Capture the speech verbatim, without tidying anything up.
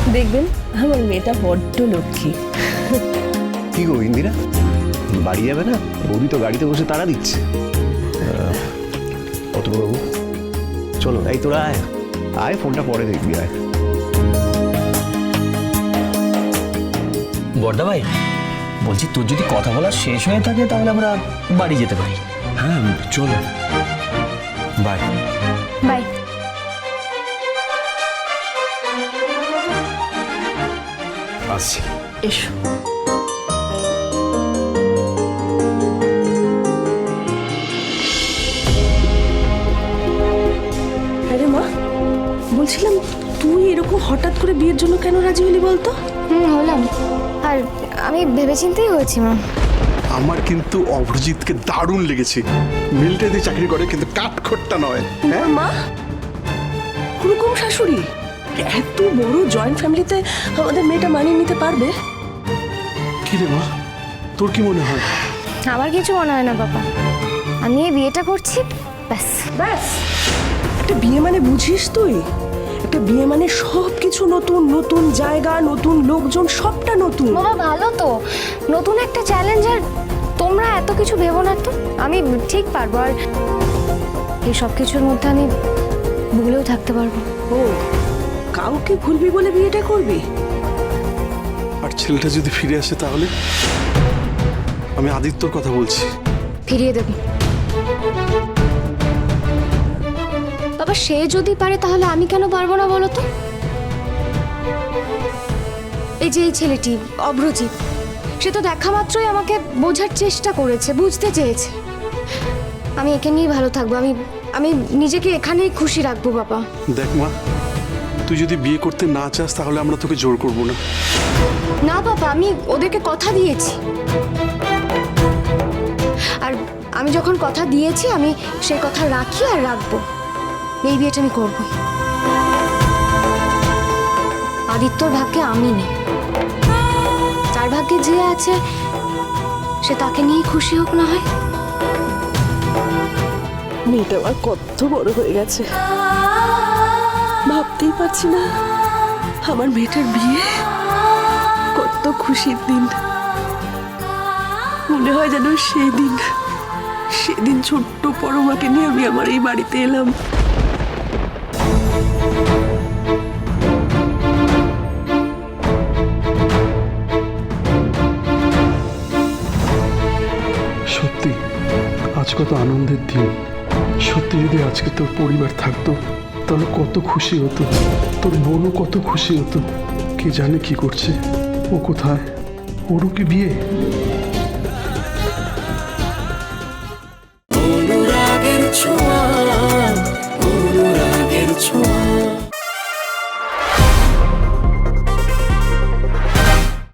দেখবেন আমার মেয়েটা বড্ড লক্ষ্মী। কি গো ইন্দিরা, বাড়ি যাবে না? বৌদি তো গাড়িতে বসে তাড়া দিচ্ছে। অতুলবাবু চলো, এই তোরা আয় আয়, ফোনটা পরে দেখবি, আয়। বড়দা ভাই বলছি, তোর যদি কথা বলা শেষ হয়ে থাকে তাহলে আমরা বাড়ি যেতে পারি। হ্যাঁ চলো, বাই বাই। আসছি। এসো। আরে মা, বলছিলাম তুই এরকম হঠাৎ করে বিয়ের জন্য কেন রাজি হলি বলতো? হুম হলাম, আর আমি ভেবেচিন্তেই হয়েছি মা। আমার কিন্তু অভিজিৎকে দারুণ লেগেছে। মিলিটারিতে চাকরি করে, কিন্তু কাঠখোট্টা নয়। হ্যাঁ মা, ওরকম শাশুড়ি এত বড় জয়েন্ট ফ্যামিলিতে আমাদের মেয়েটা মানিয়ে নিতে পারবে? কি রে মা, তোর কি মনে হয়? আমার কিছু মনে হয় না বাবা, আমি এই বিয়েটা করছি ব্যাস। ব্যাস? একটা বিয়ে মানে বুঝিস তুই? একটা বিয়ে মানে সব কিছু নতুন, নতুন জায়গা, নতুন লোকজন, সবটা নতুন। বাবা ভালো তো, নতুন একটা চ্যালেঞ্জ। আর তোমরা এত কিছু ভেবো না তো, আমি ঠিক পারবো। আর এই সব কিছুর মধ্যে আমি ভুলেও থাকতে পারবো। ও, কাউকে ভুলবি বলে বিয়েটা করবি? আর ছেলেটা যদি ফিরে আসে তাহলে? আমি আদিত্যর কথা বলছি। ফিরিয়ে দেব বাবা, সে যদি পারে তাহলে আমি কেন পারবো না বলো তো? এই যে এই ছেলেটি অভ্রজিৎ, সে তো দেখা মাত্রই আমাকে বোঝার চেষ্টা করেছে, বুঝতে চেয়েছে। আমি একে নিয়ে ভালো থাকবো, আমি আমি নিজেকে এখানেই খুশি রাখবো বাবা। দেখ মা, তুই যদি বিয়ে করতে না চাস তাহলে আমরা তোকে জোর করবো না। না বাবা, আমি ওদেরকে কথা দিয়েছি, আর আমি যখন কথা দিয়েছি আমি সেই কথা রাখি আর রাখবো। এই বিয়েটা আমি করবো। আদিত্যর ভাগ্যে আমি নেই, তার ভাগ্যে যে আছে সে তাকে নিয়ে খুশি হোক না হয়। মেয়েটা আমার কত বড় হয়ে গেছে, ভাবতেই পারছি না আমার মেয়েটার বিয়ে। কত খুশির দিন, মনে হয় যেন সেই দিন, সেদিন ছোট্ট পরমাকে নিয়ে আমি আমার এই বাড়িতে এলাম। সত্যি আজ কত আনন্দের দিন। সত্যি যদি আজকে তোর পরিবার থাকতো তাহলে কত খুশি হতো, তোর বোনও কত খুশি হতো। কে জানে কি করছে, ও কোথায়, ওরও কি বিয়ে?